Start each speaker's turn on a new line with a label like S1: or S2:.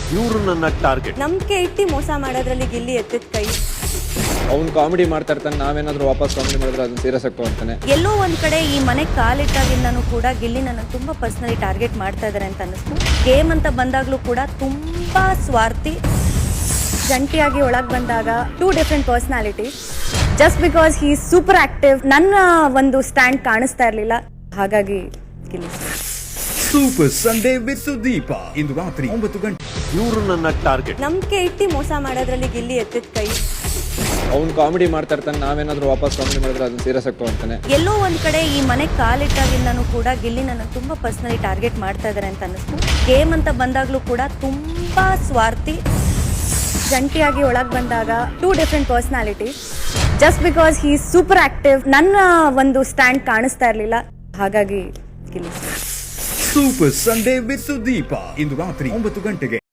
S1: ಇವರು ನನ್ನ ಟಾರ್ಗೆಟ್.
S2: ನಂಬಿಕೆ ಇಟ್ಟು ಮೋಸ ಮಾಡೋದ್ರಲ್ಲಿ ಗಿಲ್ಲಿ ಎತ್ತಿದ ಕೈ.
S3: ಅವ್ನು ಕಾಮಿಡಿ ಮಾಡ್ತಾ ಇರ್ತಾನೆ, ನಾವೇನಾದ್ರೂ ವಾಪಸ್ ಕಾಮಿಡಿ ಮಾಡಿದ್ರೆ ಅದನ್ನ ಸೀರಿಯಸ್ ಆಗಿ ತಗೊಂತಾನೆ.
S2: ಎಲ್ಲೋ ಒಂದ್ ಕಡೆ ಈ ಮನೆ ಕಾಲಿಟ್ಟಾಗಿಂದನೂ ಕೂಡ ಗಿಲ್ಲಿ ನನ್ನ ತುಂಬಾ ಪರ್ಸನಲಿ ಟಾರ್ಗೆಟ್ ಮಾಡ್ತಾ ಇದಾರೆ ಅಂತ ಅನ್ನಿಸ್ತು. ಗೇಮ್ ಅಂತ ಬಂದಾಗ್ಲೂ ಕೂಡ ತುಂಬಾ ಸ್ವಾರ್ಥಿ. ಜಂಟಿಯಾಗಿ ಒಳಗೆ ಬಂದಾಗ 2 different personality. Just because he super active. ನನ್ನ ಒಂದು ಸ್ಟ್ಯಾಂಡ್ ಕಾಣಿಸ್ತಾ ಇರಲಿಲ್ಲ, ಹಾಗಾಗಿ Gilli.
S4: Super Sunday with Sudeep ಇಂದು ರಾತ್ರಿ 9 ಗಂಟೆ.
S1: ಇವರು ನನ್ನ ಟಾರ್ಗೆಟ್.
S2: ನಂಬಿಕೆ ಇಟ್ಟು ಮೋಸ ಮಾಡೋದ್ರಲ್ಲಿ ಗಿಲ್ಲಿ ಎತ್ತಿದ ಕೈ.
S3: ಅವ್ನು ಕಾಮಿಡಿ ಮಾಡ್ತಾ ಇರ್ತಾನೆ, ನಾವೇನಾದ್ರೂ ವಾಪಸ್ ಕಾಮಿಡಿ ಮಾಡಿದ್ರೆ ಅದನ್ನ ಸೀರಿಯಸ್ ಆಗಿ ತಗೊಂತಾನೆ.
S2: ಎಲ್ಲೋ ಒಂದ್ ಕಡೆ ಈ ಮನೆ ಕಾಲಿಟ್ಟಾಗಿಂದನೂ ಕೂಡ ಗಿಲ್ಲಿ ನನ್ನ ತುಂಬಾ ಪರ್ಸನಲಿ ಟಾರ್ಗೆಟ್ ಮಾಡ್ತಾ ಇದಾರೆ ಅಂತ ಅನ್ನಿಸ್ತು. ಗೇಮ್ ಅಂತ ಬಂದಾಗ್ಲೂ ಕೂಡ ತುಂಬಾ ಸ್ವಾರ್ಥಿ. ಜಂಟಿಯಾಗಿ ಒಳಗೆ ಬಂದಾಗ 2 different personality. Just because he super active. ನನ್ನ ಒಂದು ಸ್ಟ್ಯಾಂಡ್ ಕಾಣಿಸ್ತಾ ಇರಲಿಲ್ಲ, ಹಾಗಾಗಿ Gilli.
S4: Super Sunday with Sudeep ಇಂದು ರಾತ್ರಿ 9 ಗಂಟೆಗೆ.